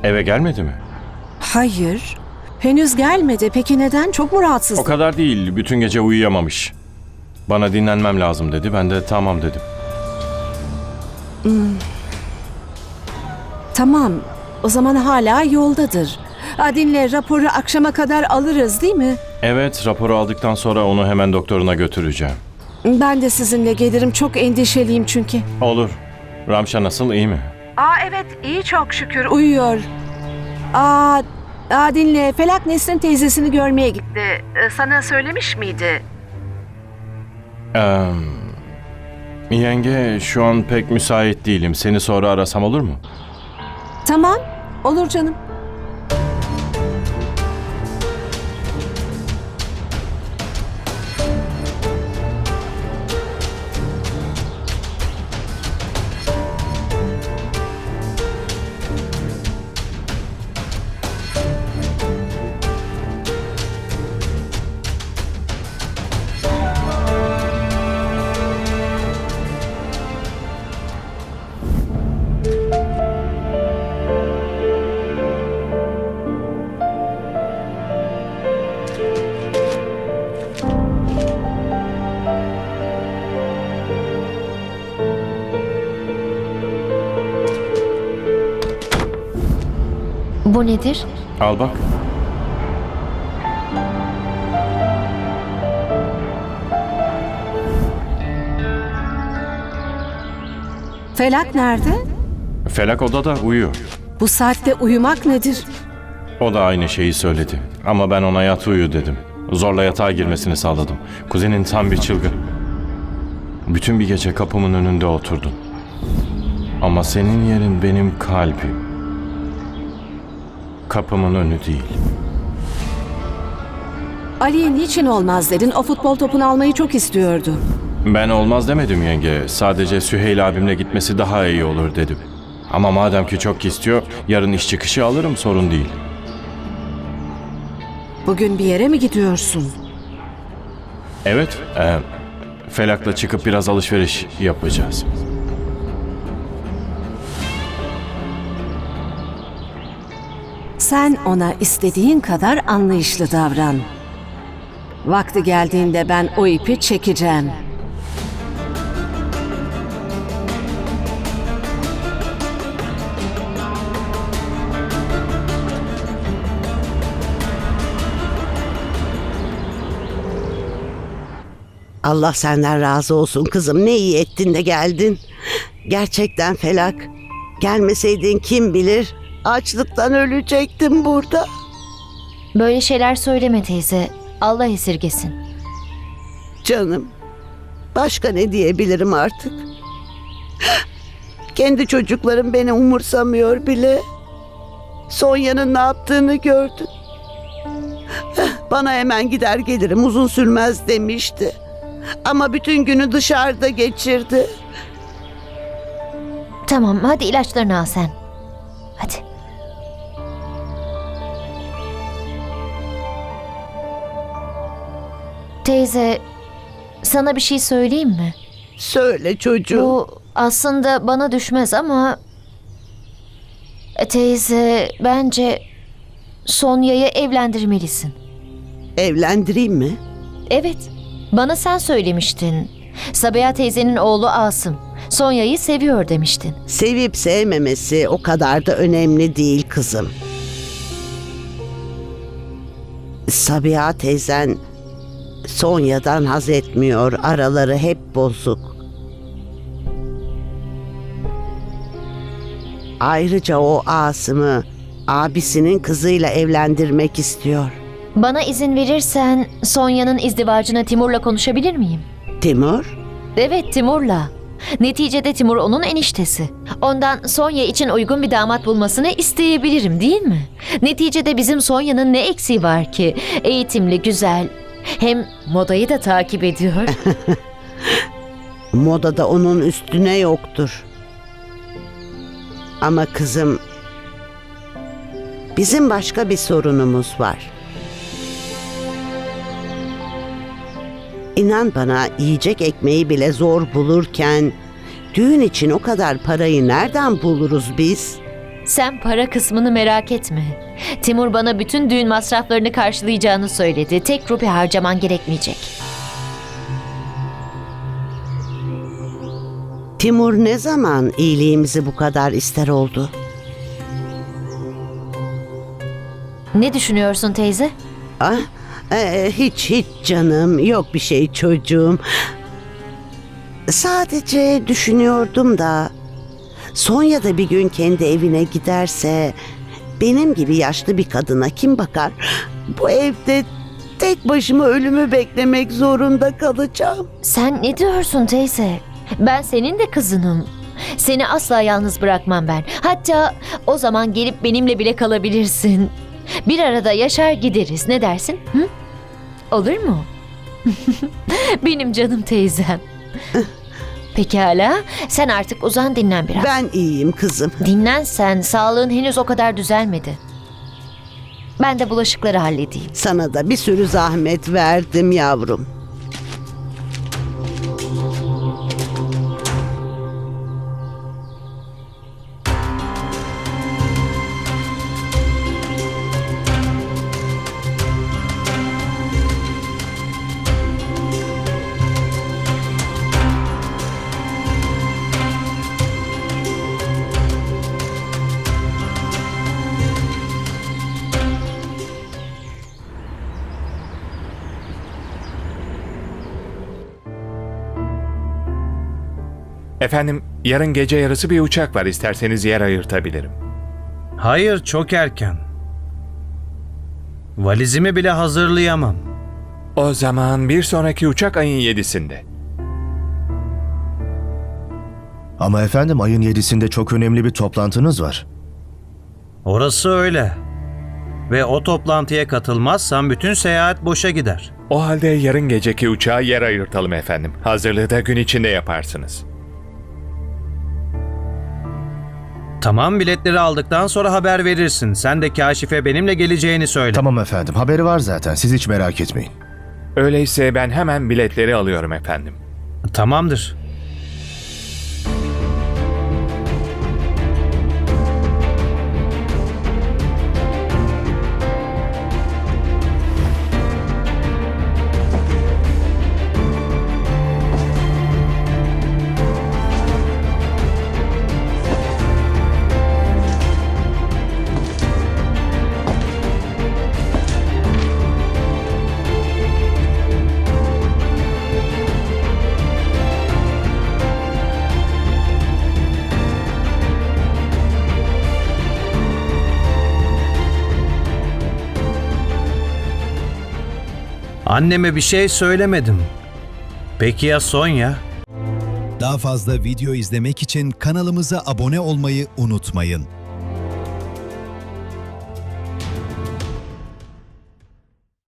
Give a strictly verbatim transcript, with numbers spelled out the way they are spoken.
Eve gelmedi mi? Hayır. Henüz gelmedi. Peki neden? Çok mu rahatsız? O kadar değil. Bütün gece uyuyamamış. Bana dinlenmem lazım dedi. Ben de tamam dedim. Tamam. O zaman hala yoldadır. Ha, dinle, raporu akşama kadar alırız değil mi? Evet, raporu aldıktan sonra onu hemen doktoruna götüreceğim. Ben de sizinle gelirim. Çok endişeliyim çünkü. Olur. Ramşa nasıl, iyi mi? Aa evet, iyi çok şükür. Uyuyor. Aa, aa dinle. Felak Nesrin teyzesini görmeye gitti. Ee, sana söylemiş miydi? Ee, yenge, şu an pek müsait değilim. Seni sonra arasam olur mu? Tamam. Olur canım. Bu nedir? Al bak. Felak nerede? Felak odada uyuyor. Bu saatte uyumak nedir? O da aynı şeyi söyledi. Ama ben ona yat uyu dedim. Zorla yatağa girmesini sağladım. Kuzenin tam bir çılgın. Bütün bir gece kapımın önünde oturdun. Ama senin yerin benim kalbim. Kapımın önü değil. Ali'ye niçin olmaz dedin? O futbol topunu almayı çok istiyordu. Ben olmaz demedim yenge. Sadece Süheyl abimle gitmesi daha iyi olur dedim. Ama madem ki çok istiyor, yarın iş çıkışı alırım, sorun değil. Bugün bir yere mi gidiyorsun? Evet, e, Felak'la çıkıp biraz alışveriş yapacağız. Sen ona istediğin kadar anlayışlı davran. Vakti geldiğinde ben o ipi çekeceğim. Allah senden razı olsun kızım. Ne iyi ettin de geldin. Gerçekten Felak. Gelmeseydin kim bilir açlıktan ölecektim burada. Böyle şeyler söyleme teyze. Allah esirgesin. Canım. Başka ne diyebilirim artık? Kendi çocuklarım beni umursamıyor bile. Sonya'nın ne yaptığını gördün. Bana hemen gider gelirim, uzun sürmez demişti. Ama bütün günü dışarıda geçirdi. Tamam, hadi ilaçlarını al sen. Hadi. Teyze, sana bir şey söyleyeyim mi? Söyle çocuğum. Bu aslında bana düşmez ama... E, Teyze, bence Sonya'yı evlendirmelisin. Evlendireyim mi? Evet, bana sen söylemiştin. Sabiha teyzenin oğlu Asım, Sonya'yı seviyor demiştin. Sevip sevmemesi o kadar da önemli değil kızım. Sabiha teyzen Sonya'dan haz etmiyor. Araları hep bozuk. Ayrıca o Asım'ı abisinin kızıyla evlendirmek istiyor. Bana izin verirsen Sonya'nın izdivacına Timur'la konuşabilir miyim? Timur? Evet, Timur'la. Neticede Timur onun eniştesi. Ondan Sonya için uygun bir damat bulmasını isteyebilirim, değil mi? Neticede bizim Sonya'nın ne eksiği var ki? Eğitimli, güzel. Hem modayı da takip ediyor. Modada onun üstüne yoktur. Ama kızım, bizim başka bir sorunumuz var. İnan bana, yiyecek ekmeği bile zor bulurken düğün için o kadar parayı nereden buluruz biz? Sen para kısmını merak etme. Timur bana bütün düğün masraflarını karşılayacağını söyledi. Tek rupi harcaman gerekmeyecek. Timur ne zaman iyiliğimizi bu kadar ister oldu? Ne düşünüyorsun teyze? Ah, e, hiç hiç canım, yok bir şey çocuğum. Sadece düşünüyordum da Sonya da bir gün kendi evine giderse benim gibi yaşlı bir kadına kim bakar? Bu evde tek başıma ölümü beklemek zorunda kalacağım. Sen ne diyorsun teyze? Ben senin de kızınım. Seni asla yalnız bırakmam ben. Hatta o zaman gelip benimle bile kalabilirsin. Bir arada yaşar gideriz. Ne dersin? Hı? Olur mu? Benim canım teyzem. Pekala. Sen artık uzan, dinlen biraz. Ben iyiyim kızım. Dinlen sen. Sağlığın henüz o kadar düzelmedi. Ben de bulaşıkları halledeyim. Sana da bir sürü zahmet verdim yavrum. Efendim, yarın gece yarısı bir uçak var. İsterseniz yer ayırtabilirim. Hayır, çok erken. Valizimi bile hazırlayamam. O zaman bir sonraki uçak ayın yedisinde. Ama efendim ayın yedisinde çok önemli bir toplantınız var. Orası öyle. Ve o toplantıya katılmazsam bütün seyahat boşa gider. O halde yarın geceki uçağa yer ayırtalım efendim. Hazırlığı da gün içinde yaparsınız. Tamam, biletleri aldıktan sonra haber verirsin. Sen de Kaşif'e benimle geleceğini söyle. Tamam efendim, haberi var zaten, siz hiç merak etmeyin. Öyleyse ben hemen biletleri alıyorum efendim. Tamamdır. Anneme bir şey söylemedim. Peki ya Sonya? Daha fazla video izlemek için kanalımıza abone olmayı unutmayın.